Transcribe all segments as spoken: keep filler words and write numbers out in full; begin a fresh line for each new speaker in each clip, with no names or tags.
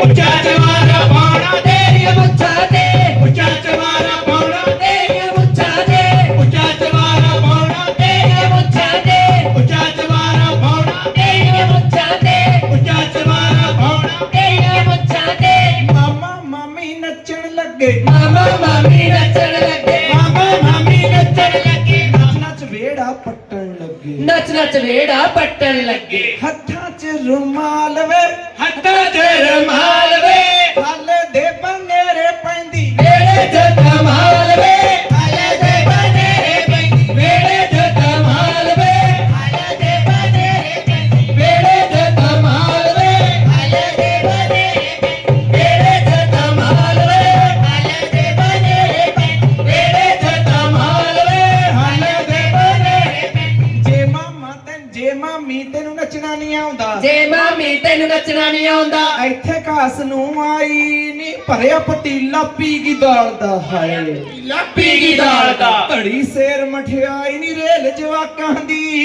ਉੱਚਾ ਚਵਾਰਾ ਪਾਉਣਾ
ਤੇਰੀਆਂ ਮੁੱਛਾਂ ਤੇ
ਉੱਚਾ ਚਵਾਰਾ ਪਾਉਣਾ
ਤੇਰੀਆਂ ਮੁੱਛਾਂ ਤੇ
ਉੱਚਾ ਚਵਾਰਾ ਪਾਉਣਾ
ਤੇਰੀਆਂ ਮੁੱਛਾਂ ਤੇ
ਉੱਚਾ ਚਵਾਰਾ ਪਾਉਣਾ
ਤੇਰੀਆਂ ਮੁੱਛਾਂ ਤੇ
ਉੱਚਾ ਚਵਾਰਾ ਪਾਉਣਾ
ਤੇਰੀਆਂ ਮੁੱਛਾਂ ਤੇ
ਮਾਮਾ ਮਾਮੀ ਨੱਚਣ ਲੱਗੇ
ਮਾਮਾ ਮਾਮੀ ਨੱਚਣ ਲੱਗੇ
ਮਾਮਾ ਮਾਮੀ ਨੱਚਣ
ਲੱਗੇ
ਨੱਚ ਨੱਚ ਵੇੜਾ ਪੱਟਣ ਲੱਗੇ
ਨੱਚ ਨੱਚ ਵੇੜਾ ਪੱਟਣ ਲੱਗੇ
ਹੱਥਾਂ 'ਚ ਰੁਮਾਲ ਵੇ
ਹੱਥਾਂ 'ਚ ਰੁਮਾਲ ਵੇ
ਹਾਲੇ ਦੇ ਬੰਗੇਰੇ ਪੈਂਦੀ
ਵੇੜੇ 'ਚ ਧਮਾਲ ਵੇ ਹਾਲੇ ਦੇ ਬਨੇਰੇ ਪੈਂਦੀ ਵੇੜੇ 'ਚ ਧਮਾਲ ਵੇ ਹਾਲੇ ਦੇ ਬਨੇਰੇ ਪੈਂਦੀ ਵੇੜੇ 'ਚ ਧਮਾਲ ਵੇ ਹਾਲੇ ਦੇ ਬਨੇਰੇ ਪੈਂਦੀ ਵੇੜੇ 'ਚ ਧਮਾਲ ਵੇ ਹਾਲੇ ਦੇ ਬਨੇਰੇ ਪੈਂਦੀ ਵੇੜੇ 'ਚ ਧਮਾਲ ਵੇ ਹਾਲੇ ਦੇ ਬਨੇਰੇ ਪੈਂਦੀ
ਜੇ ਮਾਮਾ ਤੈਨੂੰ ਜੇ ਮਾਮੀ ਤੈਨੂੰ ਨੱਚਣਾ ਨਹੀਂ ਆਉਂਦਾ
ਜੇ ਮਾਮੀ ਤੈਨੂੰ ਨੱਚਣਾ ਨਹੀਂ ਆਉਂਦਾ
ਇੱਥੇ ਘਾਸ ਨੂੰ ਆਈ ਨੀ ਭਰਿਆ ਪਤੀਲਾ ਪੀ ਗਈ ਦਾਲ ਦਾ ਹਾਏ
ਪੀ ਗਈ ਦਾਲ ਦਾ
ਘੜੀ ਸੇਰ ਮਠਿਆਈ ਨੀ ਰੇਲ ਜਵਾਕਾਂ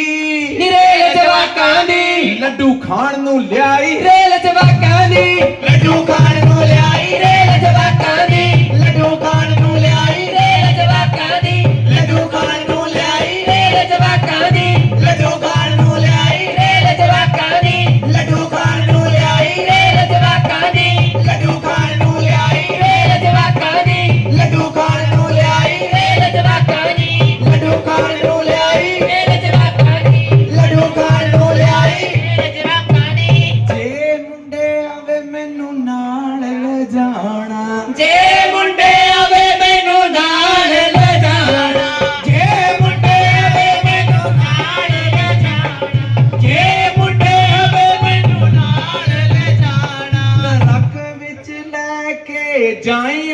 ਦੀ
ਨਿਰੇਲ ਜਵਾਕਾਂ ਦੀ
ਲੱਡੂ ਖਾਣ ਨੂੰ ਲਿਆਈ
ਰੇਲ ਜਵਾਕਾਂ ਦੀ
ਲੱਡੂ ਖਾਣ ਨੂੰ ਲਿਆਈ
ਰੇਲ ਜਵਾਕਾਂ ਦੀ
ਲੱਡੂ ਖਾਣ ਨੂੰ ਲਿਆਈ
ਰੇਲ ਜਵਾਕਾਂ ਦੀ
ਲੱਡੂ ਖਾਣ ਨੂੰ ਲਿਆਈ
ਰੇਲ ਜਵਾਕਾਂ ਦੀ
ਲੱਡੂ ਖਾਣ ਨੂੰ ਲਿਆਈ
ਰੇਲ ਜਵਾਕਾਂ ਦੀ
ਲੱਡੂ ਖਾਣ ਨੂੰ ਲਿਆਈ
ਰੇਲ ਜਵਾਕਾਂ ਦੀ
ਲੱਡੂ ਖਾਣ ਨੂੰ ਲਿਆਈ
ਰੇਲ ਜਵਾਕਾਂ ਦੀ
ਲੱਡੂ ਖਾਣ ਨੂੰ ਲਿਆਈ
ਰੇਲ ਜਵਾਕਾਂ ਦੀ
ਲੱਡੂ ਖਾਣ ਨੂੰ ਲਿਆਈ
ਰੇਲ ਜਵਾਕਾਂ ਦੀ
ਲੱਡੂ ਖਾਣ ਨੂੰ ਲਿਆਈ
ਰੇਲ ਜਵਾਕਾਂ ਦੀ
ਜੇ ਮੁੰਡੇ ਆਵੇ ਮੈਨੂੰ ਨਾਲ ਲੈ ਜਾਣਾ
ਜੇ ਮੁੰਡੇ ਆਵੇ ਮੈਨੂੰ ਨਾਲ ਲੈ ਜਾਣਾ
ਜੇ ਮੁੰਡੇ ਆਵੇ ਮੈਨੂੰ ਨਾਲ ਲੈ ਜਾਣਾ ਜੇ ਮੁੰਡੇ ਆਵੇ ਮੈਨੂੰ ਨਾਲ ਲੈ ਜਾਣਾ ਰੱਖ ਵਿੱਚ ਲੈ ਕੇ ਜਾਈ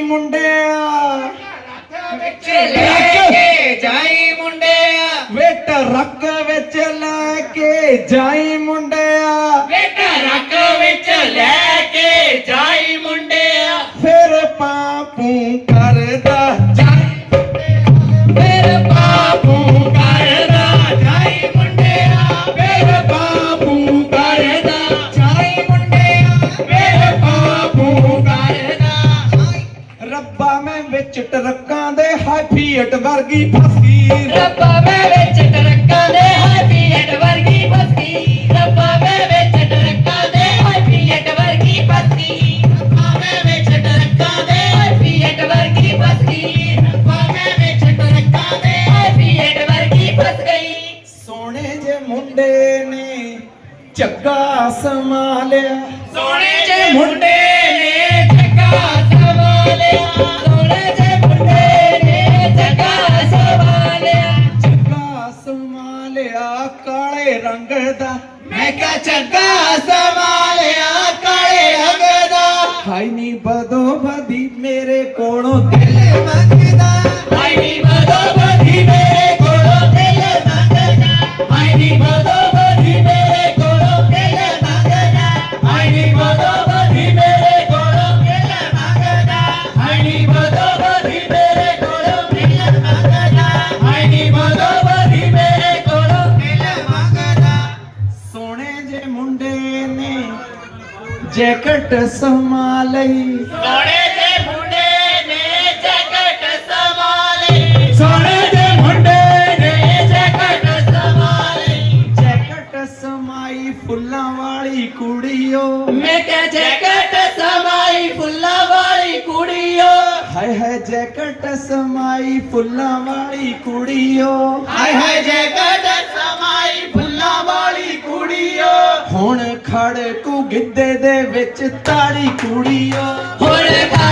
ਮੁੰਡਿਆ
ਵਿੱਚ ਲੈ ਕੇ ਜਾਈ ਮੁੰਡਿਆ
ਵੇ ਟਰੱਕ ਵਿੱਚ ਲੈ ਕੇ ਜਾਈ ਮੁੰਡਿਆ
ਬੇਟਾ ਰੱਖ ਵਿੱਚ ਲੈ ਕੇ ਜਾਈ ਮੁੰਡਿਆ
ਫਿਰ ਪਾਪੂ ਕਰਦਾ
ਜਾਈ ਫਿਰ ਬਾਪੂ ਕਰਦਾ ਜਾਈ ਮੁੰਡਿਆ ਫਿਰ ਬਾਪੂ ਕਰਦਾ ਜਾਈ ਮੁੰਡਿਆ ਫਿਰ ਬਾਪੂ ਕਰਦਾ
ਰੱਬਾ ਮੈਂ ਵਿੱਚ ਟਰੱਕਾਂ ਦੇ ਹਾਈ ਫੀਟ ਵਰਗੀ ਫਸੀ
ਰੱਬਾ ਮੈਂ ਵਿੱਚ ਟਰੱਕਾਂ ਦੇ ਹਾਈ ਫੀਟ ਵਰਗੀ ਫਸੀ ਰੱਬਾ ਮੈਂ ਵਿੱਚ ਟਰੱਕਾਂ ਦੇ ਹਾਈ ਫੀਟ ਵਰਗੀ ਫਸੀ ਰੱਬਾ ਮੈਂ ਵਿੱਚ ਟਰੱਕਾਂ ਦੇ ਹਾਈ ਫੀਟ ਵਰਗੀ ਫਸੀ ਰੱਬਾ ਮੈਂ ਵਿੱਚ ਟਰੱਕਾਂ ਦੇ ਹਾਈ ਫੀਟ ਵਰਗੀ ਫਸ ਗਈ
ਸੋਹਣੇ ਜੇ ਮੁੰਡੇ ਨੇ ਝੱਗਾ ਸੰਭਾਲਿਆ
ਸੋਹਣੇ ਜੇ ਮੁੰਡੇ ਨੇ ਜੱਗਾ ਸੰਭਾਲਿਆ ਸੋਹਣੇ ਜੇ ਮੁੰਡੇ ਨੇ ਜੱਗਾ ਸੰਭਾਲਿਆ
ਝੱਗਾ ਸੰਭਾਲਿਆ ਕਾਲੇ ਰੰਗ ਦਾ
ਮੈਂ ਕਿਹਾ ਜੱਗਾ ਸੰਭਾਲਿਆ ਕਾਲੇ ਰੰਗ ਦਾ
ਹਾਈ ਨੀ ਬਦੋ ਬਦੀ ਮੇਰੇ ਕੋਲੋਂ ਦਿਲ ਮੰਗਦਾ
ਹਾਈ ਨੀ ਬਦੋ ਬਦੀ ਮੇਰੇ ਕੋਲੋਂ ਦਿਲ ਮੰਗਦਾ ਹਾਈ ਨੀ ਬਦੋ ਬਦੀ ਮੇਰੇ ਕੋਲੋਂ ਦਿਲ ਮੰਗਦਾ ਹਾਈ ਨੀ ਬਦੋ ਬਦੀ ਮੇਰੇ ਕੋਲੋਂ ਦਿਲ ਮੰਗਦਾ ਹਾਈ ਨੀ ਬਦੋ ਬਦੀ ਮੇਰੇ ਕੋਲੋਂ ਦਿਲ ਮੰਗਦਾ ਹਾਈ ਨੀ ਬਦੋ ਬਦੀ ਮੇਰੇ ਕੋਲੋਂ ਦਿਲ ਮੰਗਦਾ
ਸੋਹਣੇ ਜੇ ਮੁੰਡੇ ਨੇ ਜੈਕਟ ਸਮਾ ਲਈ
ਸੋਹਣੇ ਜੇ ਮੁੰਡੇ ਨੇ ਜੈਕਟ ਸੰਭਾਲੀ
ਸੋਹਣੇ ਜੇ ਮੁੰਡੇ
ਨੇ ਜੈਕਟ ਸੰਭਾਲੀ
ਜੈਕਟ ਸਮਾਈ ਫੁੱਲਾਂ ਵਾਲੀ ਕੁੜੀਓ
ਮੈਂ ਕਿਹਾ ਜੈਕਟ ਸਮਾਈ ਫੁੱਲਾਂ ਵਾਲੀ ਕੁੜੀਓ
ਹਾਏ ਹਾਏ ਜੈਕਟ ਸਮਾਈ ਫੁੱਲਾਂ ਵਾਲੀ ਕੁੜੀਓ
ਹਾਏ ਹਾਏ ਜੈਕਟ ਸਮਾਈ ਫੁੱਲਾਂ ਵਾਲੀ ਕੁੜੀਓ
ਹੁਣ ਖੜਕੂ ਗਿੱਧੇ ਦੇ ਵਿੱਚ ਤਾੜੀ ਕੁੜੀਓ
ਹੁਣ